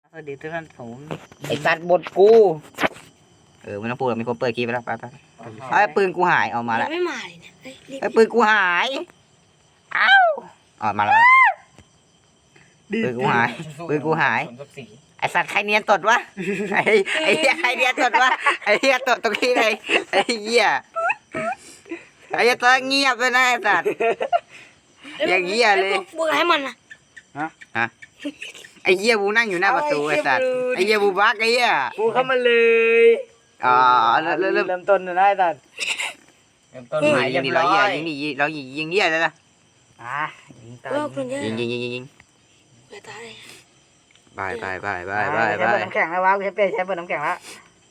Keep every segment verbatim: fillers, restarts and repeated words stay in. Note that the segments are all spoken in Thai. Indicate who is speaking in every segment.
Speaker 1: สวัสดีทุกท่านผม
Speaker 2: ไอ้สัตว์บดกูเออไม่ต้องพูดมีคนเปิดคลิปไปแล้วไปไปไอ้ปืนกูหายเอามาแล้ว
Speaker 3: ไม่มาเลยนะเฮ้ยรีบ
Speaker 2: ไอ้ปืนกูหายเอ้าออกมาแล้วปืนกูหายปืนกูหายไอ้สัตว์ใครเนียนตดวะไอ้ไอ้เหี้ยใครเนียนตดวะไอ้เหี้ยตดตรงนี้เลยไอ้เหี้ยไอ้เหี้ยตดเงียบเลยนะไอ้สัตว์อย่างเหี้ยเลย
Speaker 3: บุกให้มันนะ
Speaker 2: ฮะไอ้เหี้ยบูนั่งอยู่หน้าประตูไอ้สัตว์ไอ้เหี้ยบูบักไอ้เหี้ย
Speaker 1: กูเข้ามาเลย
Speaker 2: อ๋อเริ่มเริ่มเริ่ม
Speaker 1: เริ่มต้นนะไอ้สัตว์
Speaker 2: เริ่มต้นหมายยิงดิเราเหี้ยยิงดิเรายิงยิงเหี้ยเลยนะ
Speaker 1: อ่ะยิงตา
Speaker 3: เออคนเยอะ
Speaker 2: ยิงยิงยิงยิงยิง
Speaker 3: เวตาเลย
Speaker 2: ไปไปไปไปไปไป
Speaker 1: ใช้เปิดน้ำแข็งแล้ววะกูใช้เปรย์ใช้เปิดน้ำแข็งแล้ว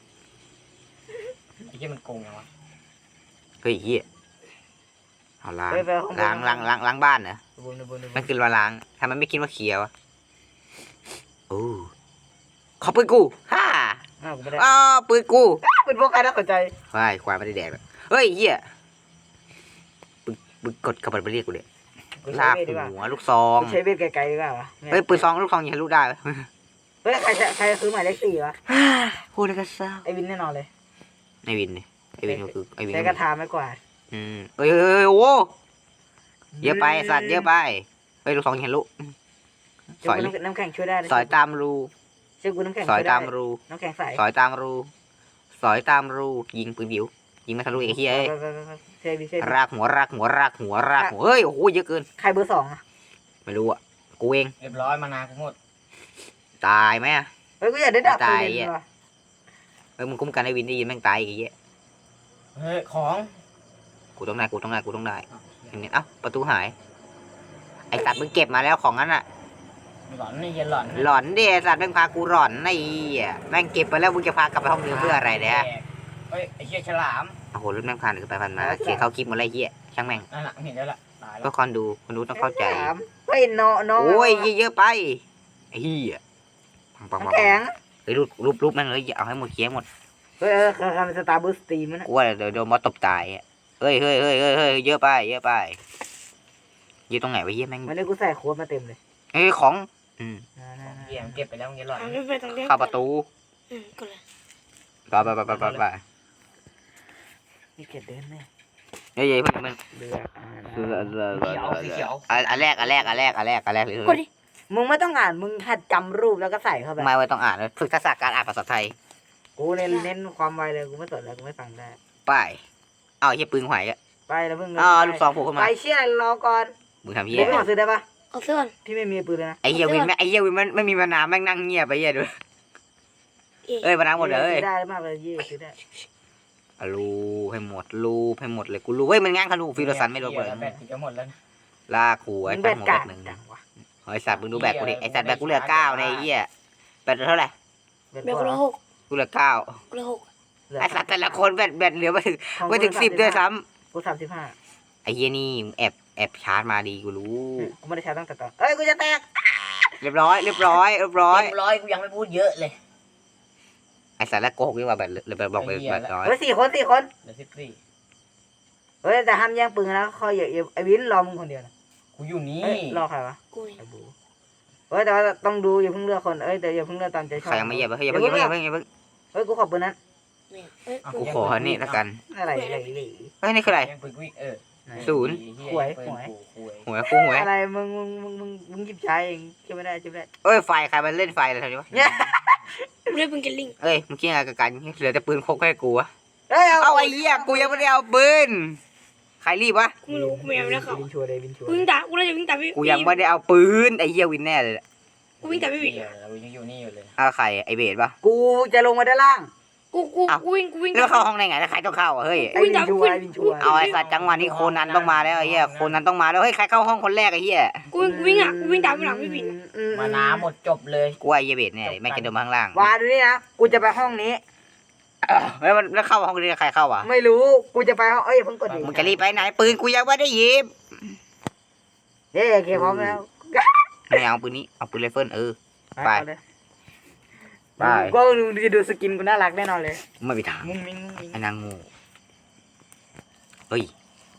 Speaker 4: ไอ้เหี้ยมันโกงไงวะ
Speaker 2: เฮ้ยเหี้ยเอาล้าง
Speaker 1: เฮ้ยไปห้อง
Speaker 2: ล้างล้างล้างล้างบ้านเหรอ
Speaker 1: บุญบุญบุญ
Speaker 2: มันคือว่าล้างทำไมไม่คิดว่าเคลียร์วะโอ้ขอปืนกูฮ่า
Speaker 1: อ้าวกูไม่ได้
Speaker 2: อ้าวปืนกู
Speaker 1: เป็นพวกใครน่าสนใจ
Speaker 2: ควายควายไม่ได้แดกหรอกเฮ้ยเหี้ยปืนปืนกดกระบาดไปเรียกกูเลย
Speaker 1: กู
Speaker 2: ลา
Speaker 1: ใช้
Speaker 2: ก
Speaker 1: เบสดีกว่า
Speaker 2: หัวลูกซอง
Speaker 1: กูใช้เบสไกลๆดีกว่าวะ
Speaker 2: เฮ้ยปืนซองลูกซองยิงทะลุได้
Speaker 1: เฮ้ยใครใครซื้อหมายเลขสี่วะ
Speaker 2: พูดแล้วก็เศร้า
Speaker 1: ไอ้วินแน่นอนเลย
Speaker 2: ไอวินเนี่ยไอวินก็คือไอวิน
Speaker 1: ใช้กระทาไม่กว่า
Speaker 2: อืมเฮ้ยเฮ้ยเฮ้ยโอ้เยอะไปสัตว์เยอะไปเฮ้ยลูกซองยิงทะลุสอย
Speaker 1: น้ำแข็งช่วยได้
Speaker 2: สอยตามรู
Speaker 1: เชื่อกูน้ำแข็ง
Speaker 2: สอย
Speaker 1: ช่วยได้
Speaker 2: ตามรู
Speaker 1: น้ำแข็งใส
Speaker 2: สอยตามรู สอยตามรู ยิงปืนบิว ยิงไม่ทะลุไอ้เหี้ยเอ้ย
Speaker 1: เซบีเซบี
Speaker 2: รากหัวรากหัวรากหัวรากหัว เฮ้ย โอ้โห เยอะเกิน
Speaker 1: ใครเบอร์สองอะ
Speaker 2: ไม่รู้อ่ะ กูเอง
Speaker 4: เรียบร้อยมานานกูหมด
Speaker 2: ตายไหมอ่ะ
Speaker 1: เฮ้ยกูอยากได้ดาบปื
Speaker 2: ตาย
Speaker 1: น
Speaker 2: อ่ะ
Speaker 1: ว่ะ
Speaker 2: เฮ้ย มึงคุ้มกันไอ้วินได้ยินแม่งตายอีกไอ้เหี้ย
Speaker 4: เฮ้ยของ
Speaker 2: กูต้องได้ กูต้องได้ กูต้องได้เอ้า ประตูหาย ไอ้สัตว์มึงเก็บมาแล้วของนั้นอ่ะ
Speaker 4: หลอนนี่เหี้ยหลอน
Speaker 2: หลอนดิไอ้สัตว์แม่งพากูหลอนไอ้เหี้ยแม่งเก็บไปแล้วมึงจะพากลับไปห้องเดิมเพื่ออะไรเนี่ย
Speaker 4: เฮ้ยไอ้เหี้ยฉลาม
Speaker 2: โอ้โหรถแม่งผ่านคือไปผ่านมาเสียเข้าคลิปหมดเลยไอ้เหี้ย ช่างแม่ง
Speaker 4: นั่นแหละเห็นแล้วล่ะตายแล้
Speaker 2: ก็
Speaker 4: ว
Speaker 2: คนดูคนดูต้องเข้าใจ
Speaker 1: สามเฮ้ยน้องน้อง
Speaker 2: โอ้ยเยอะๆไปไอ้เหี้ยปังปังปัง
Speaker 1: น้ำแข็ง
Speaker 2: เฮ้ยรูปรูปรูปแม่งเลยเอาให้หมดเคี้ยหมด
Speaker 1: เฮ้ยเออทำสตาร์บูสตีมันนะ
Speaker 2: กูว่าเดี๋ยวโดนมอสตบตายอ่ะเฮ้ยเฮ้ยเฮ้ยเฮ้ยเฮ้ยเยอะไปเยอะไปเยอะตรงไหนวะเหี้ยแม่ง
Speaker 1: วันนี้กูใส่โค้ดมาเต็มเลย
Speaker 2: เอ้ยของอืม
Speaker 4: เหี้ยมันเก็บไปแล้วมึงเหี้ยหลอน
Speaker 3: ทำไม่ไปตรงนี้
Speaker 2: เข้าประตู
Speaker 3: อืมก็เลย
Speaker 2: ไปไปไปไปไปไป
Speaker 1: มีเกียรเดินไหม
Speaker 2: เฮ้ยเฮ้ยมันมัน
Speaker 1: เรืออ่า
Speaker 2: คืออันอันแรกอันแรกอันแรกอันแรกอันแรกเลย
Speaker 3: กดดิ
Speaker 1: มึงไม่ต้องอ่านมึงหัดจำรูปแล้วก็ใส่เข้าไป
Speaker 2: ไม่ไว้ต้องอ่านเลยฝึกทักษะการอ่านภาษาไทย
Speaker 1: กูเน้นเน้นความไวเลยกูไม่สนแล้วกูไม่ฟังได้
Speaker 2: ไปเอาเฮียปืนหวยอ่ะ
Speaker 1: ไปแล้วมึง
Speaker 2: อ๋อลูกซองโผล่ขึ้นมา
Speaker 1: ไปเชี่ยรอก่อน
Speaker 2: มึงทำเฮีย
Speaker 1: เดี๋ยวพี่ขอซื้อได้ปะ
Speaker 3: เอาเสื้อก่อน
Speaker 1: พี่ไม่มีปืนเลยนะ
Speaker 2: ไอ้เฮียวินแม่ไอ้เฮียวินมันไม่มีมานาวแม่งนั่งเงียบไปเฮียดู
Speaker 3: เอ๊ะ
Speaker 2: เอ้ยมานาวหมดเลย
Speaker 1: ซื้อได้มากเลยยี่ซื้อได้
Speaker 2: รูให้หมดรูให้หมดเลยกูรู้เว้ยมันง้างขนูฟิโรสันไม่โดนเลย
Speaker 4: แบตจะหมดแล้ว
Speaker 2: ลากหัว
Speaker 1: มึ
Speaker 2: ไอ้
Speaker 1: ง
Speaker 2: สั
Speaker 1: แบ
Speaker 2: ต
Speaker 1: ด
Speaker 2: ว์หัว
Speaker 1: กา
Speaker 2: แบ
Speaker 1: ด
Speaker 2: บหนึ่ง
Speaker 1: จังวะ
Speaker 2: ไอ้สัตว์มึงดูแบตกูดิไอ้สัตว์แบตกูเหลือเก้าในไอ้เหี้ยแบตเท่าไหร่
Speaker 1: แบด
Speaker 3: เบล
Speaker 1: ก
Speaker 3: ละ
Speaker 1: ว่า
Speaker 3: หก
Speaker 2: กูเหลือเก้า
Speaker 3: กูละหก
Speaker 2: ไอ้สัตว์แต่ละคนแบตแบตเหลือไม่ถึงไม่ถึงสิบด้วยซ้
Speaker 1: กูสามสิบห้า
Speaker 2: ำไอ้เหี้ยนี่แอบแอบชาร์จมาดีกูรู้
Speaker 1: กูไม่ได้ใช้ตั้งแต่ตอนเอ้ยกูจะแตก
Speaker 2: เรียบร้อยเรียบร้อยเรียบร้อย
Speaker 4: เต็มร้อยกูยังไม่พูดเยอะเลย
Speaker 2: ไอ้สัตว์แล้วโกหกดีกว่าแบตเหลือแบตบอกไปแบตร้อย
Speaker 1: เฮ้ยสี่คนสี่คน
Speaker 4: เหลือสิบสี่
Speaker 1: เฮ้ยแต่ห้ามแย่งปืนนะคอยอย่าไอ้วินรอมึงคนเดียวนะ
Speaker 4: กูอยู่นี่
Speaker 1: เอ้ยรอใครวะ
Speaker 3: กูนี่
Speaker 1: ไอ้บูเฮ้ยแต่ว่าต้องดูอย่าเพิ่งเลือกคนเอ้ยแต่อย่าเพิ่งเลือกตามใจชอบ
Speaker 2: ใครยังไม่เหยียบเฮ้ยอย่าเพิ่งอย่าเพิ่งอย่าเพิ่งอย่าเพิ่ง
Speaker 1: เฮ้ยกูขอปืนนั้น
Speaker 3: นี่เอ้ย
Speaker 2: กูขอนี่ละกัน
Speaker 1: อะไรอะไรอะไร
Speaker 2: เฮ้ยนี่คืออะไร
Speaker 4: ยังปืนกูอีกเออ
Speaker 2: ศูนย์
Speaker 4: หวยหวย
Speaker 2: หัวกูหัว
Speaker 1: อะไรมึงมึงมึงมึงมึงหยิบใช้เองใช่ไม่ได้ใช่ไม่ได้
Speaker 2: เอ้ยไฟใครมันเล่นไฟอะไรทำไมวะ
Speaker 1: เนี่ย
Speaker 3: กูได้เป็นเกลลิง
Speaker 2: เอ้ยมึงคิดอะไรกับกันเหลือแต่ปืนพกให้กูวะ
Speaker 1: เฮ้ย
Speaker 2: เอาไอ้เหี้ยกูยังไม่ได้เอาปืนใครรีบวะ
Speaker 3: กูไม่รู้กูไม่เอาแล้วเขา
Speaker 1: วินชัวร์เลยวินชัวร์
Speaker 3: กูวิ่งตามกูเลยจะวิ่งตามพี่
Speaker 2: กูยังไม่ได้เอาปืนไอ้เหี้ยวินแน่เลย
Speaker 3: กูวิ่งตามพี่บิ๊ก
Speaker 4: เรายังอยู่นี่อยู่เลย
Speaker 2: เอาใครไอ้เบสปะ
Speaker 1: กูจะลงมาด้านล่าง
Speaker 3: กูกูกูวิ่งกูวิ่ง
Speaker 2: แล้วเข้าห้องได้ไงแล้วใครต้องเข้าอ่ะเฮ้ย
Speaker 1: ไอ้วินชัวร์ไอ้วินชัวร์
Speaker 2: เอาไอ้สัตว์จังหวะนี้โคนันต้องมาแล้วไอ้เหี้ยโคนันต้องมาแล้วเฮ้ยใครเข้าห้องคนแรกไอ้เหี้ย
Speaker 3: กูวิ่งกูวิ่งอ่ะกูวิ่งตามไปหลังพี่บิ๊ก
Speaker 4: มาน้ำหมดจบเลย
Speaker 2: กูว่าไอ้เหี้ยเบสเนี่ยแม่งจะเดินมาข้างล่าง
Speaker 1: วาดูนี่นะกูจะไปห้องนี้
Speaker 2: แล้วมันแล้วเข้าห้องนี้ใครเข้าอ่ะ
Speaker 1: ไม่รู้กูจะไปห้องเอ้ยอย่าเพิ่งกดดิ
Speaker 2: มึงจะรีบไปไหนปืนกูยังไม่ได้หยิบ
Speaker 1: เฮ้ยโอเคพร้อมแล้ว
Speaker 2: ไม่เอาปืนนี้เอาปืนไรเฟิลเออ ไป
Speaker 1: เอาเลย
Speaker 2: ไป
Speaker 1: ก็ดูดูสกินกูน่ารักแน่นอนเลย
Speaker 2: ไม่มีทาง
Speaker 1: มุ้งมิ้งมุ้งมิ้ง
Speaker 2: ไอ้นางงูเฮ้ย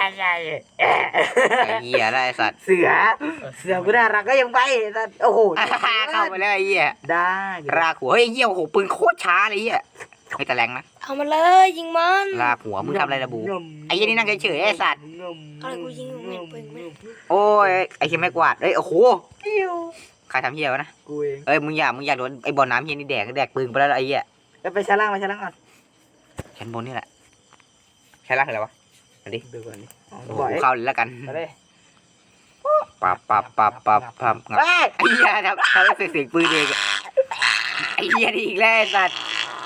Speaker 2: ไอ้เหี้ยได้สัตว์
Speaker 1: เสือเสือกูน่ารักก็ยังไปแต่โอ้โห
Speaker 2: เข้าไปแล้วไอ้เหี้ย
Speaker 1: ได้
Speaker 2: รากหัวเฮ้ยเหี้ยโอ้โหปืนโคตรช้าเลยเหี้ยไม่แต่แรงนะ
Speaker 3: เอามาเลยยิงมัน
Speaker 2: รากหัวมึงทำอะไรระบู ไอ้เหี้ยนี่นั่งเฉยๆไอ้สัตว์
Speaker 3: อะไรกูยิงมึงเห็นปืนไหม
Speaker 2: โอ้ยไอ้เหี้ยไม่กวาดเอ้ยโอ้โหใครทำเหี้ยวะนะ
Speaker 1: กูเอง
Speaker 2: เอ้ยมึงอย่ามึงอย่าโดนไอ้บอลน้ำเหี้ยนี่แดกแดกปืนไปแล้วไอ้เหี้ย
Speaker 1: ไปชั้นล่างไปชั้นล่างก่อน
Speaker 2: ชั้นบนนี่แหละชั้นล่างคืออะไรวะมาดิ
Speaker 1: ดูก่อนดิ
Speaker 2: โอ้โหกูเข้าเลยแล้วกัน
Speaker 1: ไปเลย
Speaker 2: ปับปับปับปับปับงับ
Speaker 1: เฮ้ย
Speaker 2: ไอ้เหี้ยทำทำให้เสียงเสียงปืนเองอะไอ้เหี้ยนี่อีกแล้วไอ้สัตว์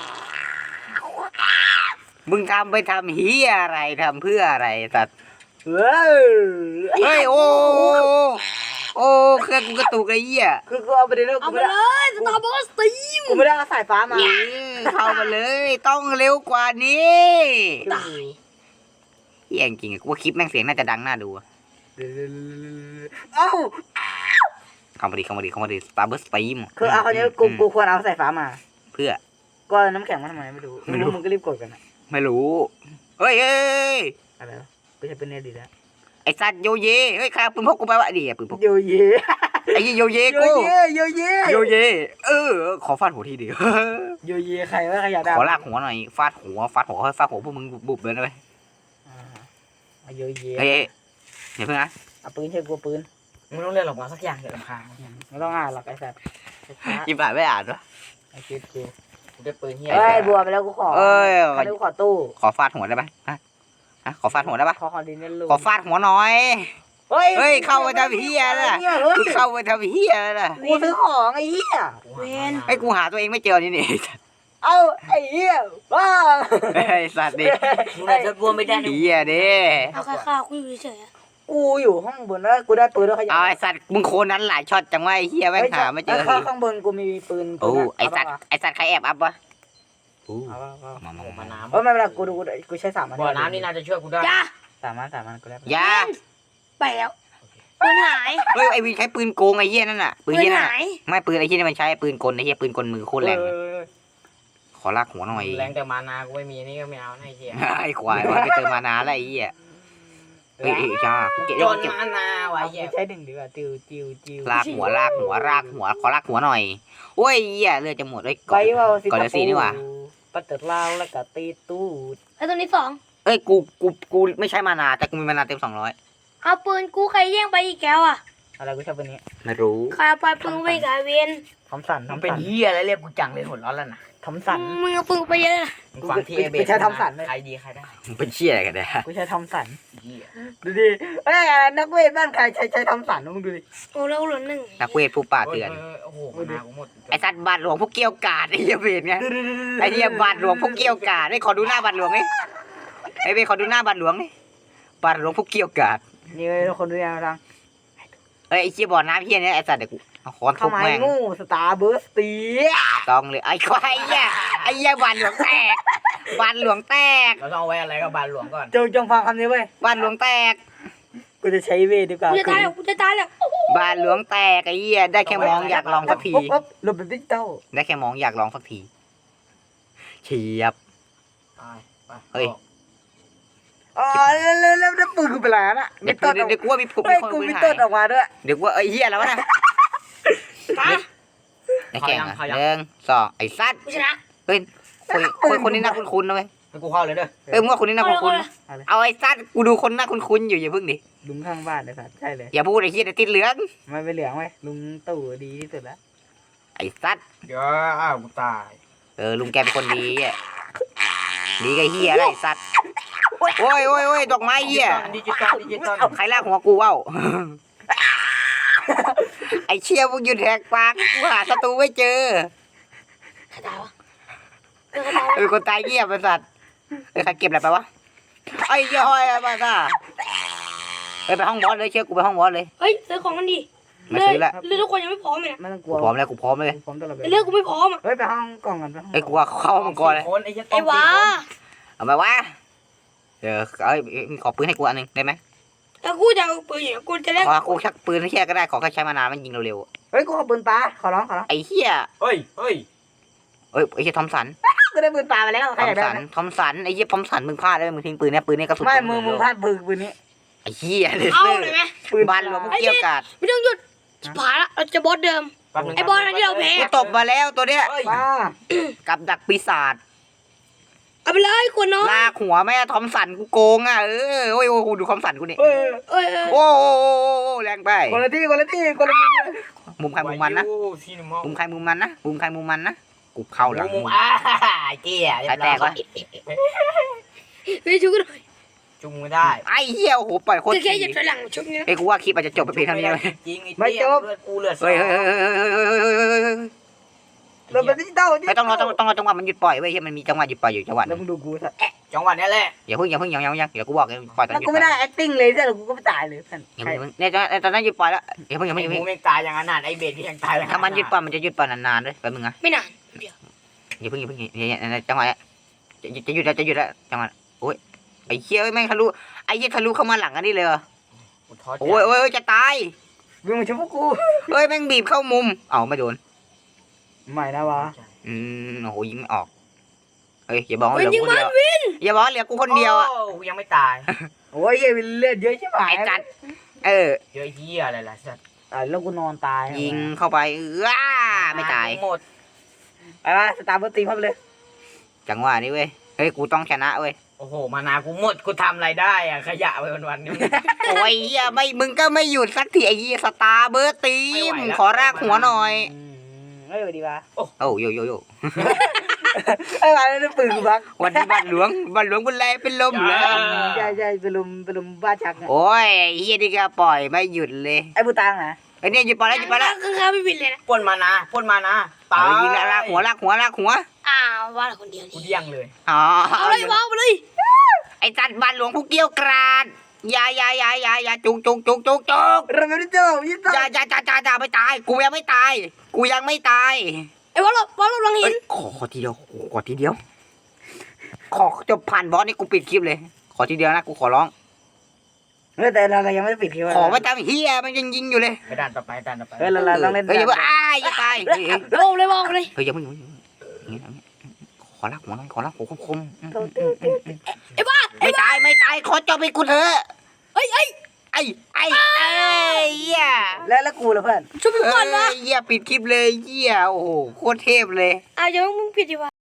Speaker 2: มึงทำไปทำเหี้ยอะไรทำเพื่ออะไรสัตว์
Speaker 1: เฮ้ย
Speaker 2: เฮ้ยโอ้โอ้โอ้เครื่องกูกระตุกไอ้เหี้ย
Speaker 1: คือกูเอาไปเลยแล้ว
Speaker 3: เอา
Speaker 1: กู
Speaker 3: มา
Speaker 1: ไม่ได้
Speaker 3: เลยสตาร์บัคสตีม
Speaker 1: กูไม่ได้เอาสายฟ้ามา
Speaker 2: เข้ามาเลยต้องเร็วกว่านี้
Speaker 3: ตาย
Speaker 2: เหี้ยจริงๆอะกูว่าคลิปแม่งเสียงน่าจะดังน่าดูอะ
Speaker 1: เอ้า
Speaker 2: เข้ามาดิเข้ามาดิเข้ามาดิสตาร์เบิร์สตีม
Speaker 1: คือเอาคนนี้กูกูควรเอาสายฟ้ามา
Speaker 2: เพื่อ
Speaker 1: ก็น้ำแข็งมาทำไมไม่รู้
Speaker 2: ไม่รู้
Speaker 1: มึงก็รีบกดกันอะ
Speaker 2: ไม่รู้เฮ้ยเฮ้ย
Speaker 1: อะไรวะไม่ใช่เป็นเนดีแล้ว
Speaker 2: ไอ้สัตว์โยเยเฮ้ยใครเอาปืนพกกูไปวะเดี๋ยวปืนพก
Speaker 1: โยเย
Speaker 2: ไอ้เหี้ยโยเย
Speaker 1: โย
Speaker 2: กู
Speaker 1: เยโยเย
Speaker 2: โยเยเออขอฟาดหัวทีเดียว
Speaker 1: โยเยใครว่าใครอยากได้
Speaker 2: ขอลากหัวหน่อยฟาดหัวฟาดหัวฟาดหัวพวกมึงบุบๆเลยนะเว้ย
Speaker 1: อ่าเอาโยเย
Speaker 2: เฮ้ยเฮ้ยเดี๋ยวเพิ่งนะ
Speaker 1: เอาปืนเชื่อกูปืน
Speaker 4: มึงต้องเรียกออกมาสักอย่างเถอะลำพาง
Speaker 1: ไม่ต้องอ่านหรอกไอ้สัตว์
Speaker 2: ยิบอ่านไม่อ่านวะ
Speaker 1: ไอ้คิดกู
Speaker 4: กูได้ปืนเฮีย
Speaker 1: เอ้ยบัวไปแล้วกูขอ
Speaker 2: เอ้ย
Speaker 1: ขอดูขอตู้
Speaker 2: ขอฟาดหัวได้ปะฮะฮะขอฟาดหัวได้ปะ
Speaker 1: ขอขอดินเนลู
Speaker 2: ขอฟาดหัวหน่อย
Speaker 1: เฮ้ย
Speaker 2: เฮ้ยเข้าไปทำเหี้ยน่ะ
Speaker 1: เฮ้ย
Speaker 2: มึงเข้าไปทำเหี้ยน่ะ
Speaker 1: กูซื้อของไอ้เหี้ย
Speaker 3: เวน
Speaker 2: ไอ้กูหาตัวเองไม่เจอนี่นี่
Speaker 1: เอ้าไอ้เหี้ยบ้า
Speaker 2: ไอ้สัตว์ดิ
Speaker 4: มึงอาจจะบัวไม่ได้นะ
Speaker 2: เหี้ยดิ
Speaker 3: เอาค่าข้าวกูอยู่เฉยๆอะ
Speaker 1: กูอยู่ห้องบนแล้วกูได้ปืนแล้วขยั
Speaker 2: เอาไอ้สัตว์มึงโคนนั้นหลายช็อตจังวะไอ้เหี้ยแม่งหาไม่เจอ
Speaker 1: ข้างข้างบนกูมีปืน
Speaker 2: โอ้
Speaker 1: ปืน
Speaker 2: ไอ้สัตว์ไอ้สัตว์ใครแอบอัพวะโอ้
Speaker 1: เอาเอาเอา
Speaker 2: มามา
Speaker 4: มา
Speaker 2: มา
Speaker 4: น้ำ
Speaker 1: เออไม่เป็นไรกูดูกูใช้สามอัน
Speaker 4: บ่อน้ำนี่น่าจะช่วยกูได้
Speaker 3: จ้า
Speaker 1: สามอันสามอันกูได้
Speaker 2: อย่า
Speaker 3: ไปแล้วปืนหาย
Speaker 2: เฮ้ยไอ้วินใช้ปืนโกงไอ้เหี้ยนั่นน่ะปื
Speaker 3: ปื
Speaker 2: น
Speaker 3: น
Speaker 2: เหี้ยนั่น
Speaker 3: หา
Speaker 2: น่ะ
Speaker 3: ย
Speaker 2: ไม่ปืนไอ้เหี้ยนี่มันใช้ปืนกลไอ้เหี้ยปืนกลมือโคตรแรงเลยขอลากหัวหน่อย
Speaker 4: แรงแต่มานากูไม่มีนี่ก็ไม่เอานะไอ้เหี้ย
Speaker 2: ไอ้ควายว่าไปเติมมานานแล้วไอ้เหี้ยเอ้ยเอ้ยจ้ากูเก็บ
Speaker 4: จ
Speaker 2: กู
Speaker 4: น
Speaker 2: เก็บ
Speaker 4: มานาวะ
Speaker 1: เอา
Speaker 4: ไอ้เหี้ย
Speaker 1: ใช้หนึ่งดีกว่าติวติวติว
Speaker 2: ลากหัวลากหัวลากหัวขอลากหัวหน่อยโอ้ยเหี้ยเลือดจะหมดเลย
Speaker 1: ไปว่าสิ
Speaker 2: ก่อนจะสีนี่หว่า
Speaker 1: ปัตเตอร์ลาวแล้วก็ตีตูด
Speaker 3: แล้วตัวนี้สอง
Speaker 2: เอ้ยกูกูกูไม่ใช่มานาแต่กูมีมานาเต็มสองร้อย
Speaker 3: เอาปืนกูใครแย่งไปอีกแก้วอ่ะ
Speaker 1: อะไรกูชอบปืนนี้
Speaker 2: ไม่รู้
Speaker 3: ใครเอาไปปืนไปกับไอ้เวน
Speaker 1: ทอมสันท
Speaker 4: มั
Speaker 1: อน ม
Speaker 4: เป็น
Speaker 1: สัน
Speaker 4: เหี้ยอะไรเรียกกูจังเลยหัวร้อนแล้วนะ
Speaker 1: ทอมสัน
Speaker 3: มึงเอาปืนไปเยอะนะ
Speaker 4: มึงฟังที่
Speaker 1: กู
Speaker 4: ไอ้เบ
Speaker 1: กู
Speaker 4: ส
Speaker 1: ใช้ทอมสันเลย
Speaker 4: ใครดีใครได้
Speaker 2: มึงเป็นเชี่ยอะไรกันเนี่ย
Speaker 1: กูใช้ทอมสัน
Speaker 4: เหี้ย
Speaker 1: ดูดิเอ้ยนักเวทบ้านใครใช้ใช้ทอมสันมึงดูดิ
Speaker 3: โอ้แล้วเหลือหนึ่ง
Speaker 2: นักเวทผู้ป่าเถื่อน
Speaker 4: โอ้โหมานากูหมด
Speaker 2: ไอ้สัตว์บาทหลวงพวกเกี้ยวกาดไอ้เหี้ยเวทไงไอ้เหี้ยบาทหลวงพวกเกี้ยวกาดไอ้ขอดูหน้าบาทหลวงไอ้ไอ้เวทขอดูหน้าบาทหลวงนี่บาทหลวงพวกเกี้ยวกาด
Speaker 1: นี่เลยคนดูแลทาง
Speaker 2: เอ้ยไอ้เชี่ยบ่อน้ำเหี้ยเนี่ยไอ้สัตว์เดี๋ยวกูเอาค้อนทุ
Speaker 1: เข้า
Speaker 2: บ
Speaker 1: มา
Speaker 2: แม่ง
Speaker 1: งูสตาร์เบิร์สตี
Speaker 2: ต้องเลยไอ้ควายเหี้ยไอ้เหี้ยบาทหลวงแตกบาทหลวงแตก
Speaker 4: เราต้องเอาไว้อะไรกับบานหลวงก่อน
Speaker 1: จงจงฟังคำนี้เว้ย
Speaker 2: บาทหลวงแตก
Speaker 1: กูจะใช้เวทดีกว่า
Speaker 3: กูจะตายแล้วกูจะตายแล้วโอ้โห
Speaker 2: บาทหลวงแตกไอ้เหี้ยได้แค่มองอยากลองสักที
Speaker 1: ปุ๊บปุ๊บลบเป็นดิจิตอล
Speaker 2: ได้แค่มองอยากลองสักทีเฉียบ
Speaker 4: ไปไป
Speaker 2: เฮ้ย
Speaker 1: อ๋อแล้วแล้วแล้วแล้วปืนกูเป็นไรน่ะ
Speaker 2: เดี๋
Speaker 1: มี
Speaker 2: ยว
Speaker 1: ต้นออก
Speaker 2: เดี๋ยวกูว่ามีผม
Speaker 1: เฮ้ย
Speaker 2: คน
Speaker 1: กู
Speaker 2: ปืน
Speaker 1: มี
Speaker 2: หา
Speaker 1: ต้นออก
Speaker 2: ย
Speaker 1: มาด้วย
Speaker 2: เดี๋ยวกูว่าเอ้ยเหี้ยแล้ววะนะ
Speaker 3: ตาย
Speaker 2: ไอ้แข่งอ่ะหนึ่งสองไอ้สัตว์
Speaker 3: กูชนะ
Speaker 2: เฮ้ยคนคนคนนี้น่าคุ้นๆนะเว้ย
Speaker 4: ให้กูเข้าเลยเด้อ
Speaker 2: เอ้ยมึงว่าคนนี้น่า
Speaker 3: เอาเลย
Speaker 2: คุ้น
Speaker 3: เอาเลย
Speaker 2: ๆเอาไอ้สัตว์กูดูคนน่าคุ้นๆอยู่อย่าเพิ่งดิ
Speaker 1: ลุงข้างบ้านเลยสัตว์ใช่เลย
Speaker 2: อย่าพูดไอ้เหี้ยเดี๋ยวติดเหลือง
Speaker 1: มันไม่เหลืองไหมลุงตู่ดีที่สุดแล้ว
Speaker 2: ไอ้สัตว์
Speaker 4: เดี๋ยวอ้าวกูตาย
Speaker 2: เออลุงแกเป็นคนดีอ่ะดีกับเหี้ยอะไรไอ้สัตว์โอ้ยโอ้ยโอ้ยดอกไม้เหี้ย
Speaker 4: ดิจิตอลดิจิตอล
Speaker 2: ใครลากหัวกูเว้า ไอ้เชี่ยมึงหยุดแหกปากกูหาศัตรูไม่เจอ
Speaker 3: ใครตายวะเออใครตายวะ
Speaker 2: เออคนตายเงียบไอ้สัตว์เอ้ยใครเก็บอะไรไปวะไอ้ย้อยไอ้บ้าซ่าเอ้ยไปห้องบอสเลยเชื่อกูไปห้องบอสเลย
Speaker 3: เฮ้ยซื้อของกันดิ
Speaker 2: ไม่ซื้อละ
Speaker 3: เลือดทุกคนยังไม่พร้อมเลยนะ
Speaker 1: ไม่ต้องกลั
Speaker 2: กู
Speaker 1: ว
Speaker 2: พร้อมแล้วกูพร้อมเลย
Speaker 1: กูพร้อมตลอดเว
Speaker 3: เลือ
Speaker 1: ลา
Speaker 3: ดกูไม่พร้อมอ่ะ
Speaker 1: เฮ้ยไปห้องกล่องกันไปห้อง
Speaker 2: ไอ้ยกูว่าเข้าห้องมังกรเลย
Speaker 4: คนไอ้เหี้ย
Speaker 3: ไอ้หวา
Speaker 2: เอามาวะเดี๋ยวเอ้ยขอปืนให้กูอันหนึงได้ไหม
Speaker 3: แล้วกูจะเอาปืนอย่างกูจะเล่น
Speaker 2: ขอกูชักปืนให้แค่ก็ได้ขอแค่ใช้มานานมันยิงเร็ว
Speaker 1: เฮ้ยกูขอปืนปลาขอร้องขอร้อง
Speaker 2: ๆไอ้เหี้ย
Speaker 4: เฮ้ยเฮ้ย
Speaker 2: เอ้ยไอ้เหี้ยทอมสัน
Speaker 1: กูได้ปืนปลาไปแล้ว
Speaker 2: ท
Speaker 1: ใคร
Speaker 2: อ
Speaker 1: อ
Speaker 2: ม
Speaker 1: ยากได้
Speaker 2: สัน
Speaker 1: ไหม
Speaker 2: ทอมสันไอ้เหี้ยทอมสันมึงพลาดเลยมึงทิ้งปืนเนี่ยปืนเนี่ยกระสุน
Speaker 1: ไม่
Speaker 2: ตก
Speaker 1: มึงมึง
Speaker 2: เร็ว
Speaker 1: พลาดปืนปืนนี้
Speaker 2: อ้เหี้ยเล
Speaker 3: เอา
Speaker 2: เซอร์
Speaker 3: เลยไหม
Speaker 2: บ้านหลวงพวกเกี้ยวกาด
Speaker 3: ไม่ต้องหยุดชิบหายละเราจะบอสเดิม
Speaker 4: แป๊บนึง
Speaker 3: ไอ้บอสที่เราแพ้
Speaker 2: กูตบมาแล้วตัวเนี้ย
Speaker 4: เฮ้ย
Speaker 1: ป้า
Speaker 2: กับดักปีศาจ
Speaker 3: เอาไปเลยขวดน้อย
Speaker 2: ลากหัวแม่ทอมสันกูโกงอ่ะเออโอ้ยโอ้โหดูทอมสันกูนี่
Speaker 1: เอ้ย
Speaker 3: เอ้ยเอ้ย
Speaker 2: โอ้โหแรงไป
Speaker 1: คนละที่คนละที่คนละที่
Speaker 2: มุมใครมุมมันนะ
Speaker 4: วายุซีนิมอล
Speaker 2: มุมใครมุมมันนะมุมใครมุมมันนะกูเข้าหลัง
Speaker 4: มุมอ่าเจี๊ย
Speaker 2: ใครแตกวะ
Speaker 3: เฮ้ยชุบกันหน่อย
Speaker 4: จุงไม่ได้
Speaker 2: ไอ้เหี้ยโอ้โหปล่อยโคตร
Speaker 3: จะแค่หยุดถอยหลังชุบนี้นะ
Speaker 2: เอ้ยกูว่าคลิปอาจจะจบไปเพียงเท่านี้เลย
Speaker 4: จริงไอ้เตี้ยเลือดกูเลือดสอง
Speaker 2: เฮ้ยเฮ้ยเฮ้ยเฮ้ยเฮ้ยเฮ้ยเฮ้ยเฮ้ยเฮ้ย
Speaker 1: เราเป็นที่เต้าที่
Speaker 2: ไม่ต้องรอต้องต้องรอจังหวะมันหยุดปล่อยเว้ยเฮ้ยมันมีจังหวะหยุดปล่อยอยู่จังหวะห
Speaker 1: แล้
Speaker 2: นึ
Speaker 1: ว
Speaker 2: ง
Speaker 1: มึงดูกูสัตว์
Speaker 4: จังหวะนี้แหละ
Speaker 2: อย่าเพิ่งอย่าเพิ่งยังยังยังเดี๋ยวกูบอกเลยปล่อยตอน
Speaker 1: แล้ว
Speaker 2: หยุด
Speaker 1: กูไม่ได้ acting เลยแต่กูก็ไม่ตายเลยท่าน
Speaker 2: อย่าเพิ่งเนี่ยตอนนั้นหยุดปล่อยแล้วอย่าเพิ่งอย่า
Speaker 4: ไอ้
Speaker 2: เพิ่งอย่า
Speaker 4: หมู
Speaker 2: เพิ่ง
Speaker 4: แม่งตายอย่างนั้นน่ะไอ้เบสที่ยังตายอย่าง
Speaker 2: ถ้ามันหยุดปล่อยมันจะหยุดปล่อยนานๆด้วยแป๊บนึงนะ
Speaker 3: ไม่นานเดี๋ยว
Speaker 2: อย่าเพิ่งอย่าเพิ่งอย่าอย่าจังหวะเนี้ยจะจะหยุดแล้วจะหยุดแล้วจังหวะโอ้ยไอ้เหี้ยแม่งทะลุไอ้เหี้ยทะลุเข้ามาหลังอันนี้เลยเหรอ
Speaker 4: กูท้อใจ
Speaker 2: โอ้ยโอ้ยจะตาย
Speaker 1: มึงมาช่วยพวกกู
Speaker 2: เฮ้ยแม่งบีบเข้ามุมเอ้าไม่โดน
Speaker 1: ไม่นะวะ
Speaker 2: อืมโอ้โหยิงไม่ออกเฮ้ยอย่าบอกว่า
Speaker 3: เว้
Speaker 2: เห
Speaker 3: น
Speaker 2: ลือ
Speaker 3: ยิง
Speaker 2: กูคน
Speaker 3: มัน
Speaker 2: เดียว
Speaker 3: วิน
Speaker 2: อย่าบอกว่าเหลือกูคนเดียวอะ
Speaker 4: โกูยังไม่ตาย
Speaker 1: โอ้ยเหี้ยเลือดเยอะใช่ไหม
Speaker 2: ไอ้จัดเออ
Speaker 4: เจอเฮียอะไรล่ะสัตว์
Speaker 1: ตายแล้วกูนอนตาย
Speaker 2: ยิงเข้าไปอ้าไม่ตาย
Speaker 4: หมด
Speaker 1: ไปมาสตาร์เบอร์ตีเข้าไปเลย
Speaker 2: จังหวะนี้เว้ยเฮ้ยกูต้องชนะเว้ย
Speaker 4: โอ้โหมานากูหมดกูทำอะไรได้อะขยะไปวันๆนี่
Speaker 2: โอ้ยเหี้ยไม่มึงก็ไม่หยุดสักทีไอ้เหี้ยสตาร์เบอร์ตี
Speaker 4: ไม่ไหว
Speaker 2: ม
Speaker 4: แล้ว
Speaker 2: ขอรากหัวหน่อย
Speaker 1: อืมเอ้ยดีป่ะ
Speaker 2: โอ้โยโยโย
Speaker 1: เอ้ยมาแล้วปืนกูพัก
Speaker 2: วันนี้บ้านหลวงบ้านหลวงบุญแลเป็นลมเหรอ
Speaker 1: ใช่ใช่ไปลุมไปลุมบ้าชักเนี่ย
Speaker 2: โอ้ยไอ้เฮียนี่ก็ปล่อยไม่หยุดเลย
Speaker 1: ไอ้บูตังนะ
Speaker 2: ไอ้เนี่ยหยุดปล่อยแล้วหยุดปล่อยแล้ว
Speaker 3: ข้างๆไม่วินเลยนะ
Speaker 4: ปล้นมานาปล้นมานาตาย
Speaker 2: เอายิงแล้วลากหัวลากหัวลากหัว
Speaker 3: อ้าวว่าละคนเดียว
Speaker 4: กู
Speaker 3: นี่
Speaker 4: เดี้ยงเลย
Speaker 2: อ๋อ
Speaker 3: เอาเลยบอลไปเลย
Speaker 2: ไอ้จัดบ้านหลวงผู้เกี้ยวกราดอยาอยาอยาอยาอยาจุกจุกจุกจุกจุก
Speaker 1: เราไม่ได้เจอยี่ต้า
Speaker 2: อยาอยาอยาอยาอยาไม่ตาย กูยังไม่ตาย กูยังไม่ตาย
Speaker 3: ไอ้บอลหลบบอลหลบหลังหิ
Speaker 2: เอ้
Speaker 3: น
Speaker 2: ยขอขอทีเดียวขอทีเดียว ขอจบผ่านบอสนี่กูปิดคลิปเลย ขอทีเดียวนะกูขอร้อง
Speaker 1: เฮ้ยแต่เรายังไม่ได้ปิดคลิป
Speaker 2: ขอไม่ตามเฮียมันยังยิงอยู่เลย
Speaker 4: ไปด่านต่อไปด่านต่อไป
Speaker 1: เฮ้ยเราเราต้องเล่น
Speaker 2: เฮ้ยอย่าเพิ่งอ้ายอย่าตายเฮ้ยเฮ้ย
Speaker 3: โลบเลยบอลไปเลย
Speaker 2: เฮ้ยอย่าเพิ่งอย่าเพิ่งอย่าเพิ่งอย่างงี้อย่างงี้ขอรักหัวหน่อยขอรักหัวคมคมๆอืม
Speaker 3: ไอ้บอล
Speaker 2: ไม่ตายไม่ตายขอจบไปกูเถอะ
Speaker 3: เอ้ยเอ้ย
Speaker 2: ไอ้ไอ้ไอ้เหี้ย
Speaker 1: แล้วแล้วกูล่ะเพื่อน
Speaker 3: ชุบกูก่อนวะ
Speaker 2: เอ้ยเหี้ยปิดคลิปเลยเหี้ยโอ้โหโคตรเทพเลย
Speaker 3: อ้าวยังมึงผิดดีวะ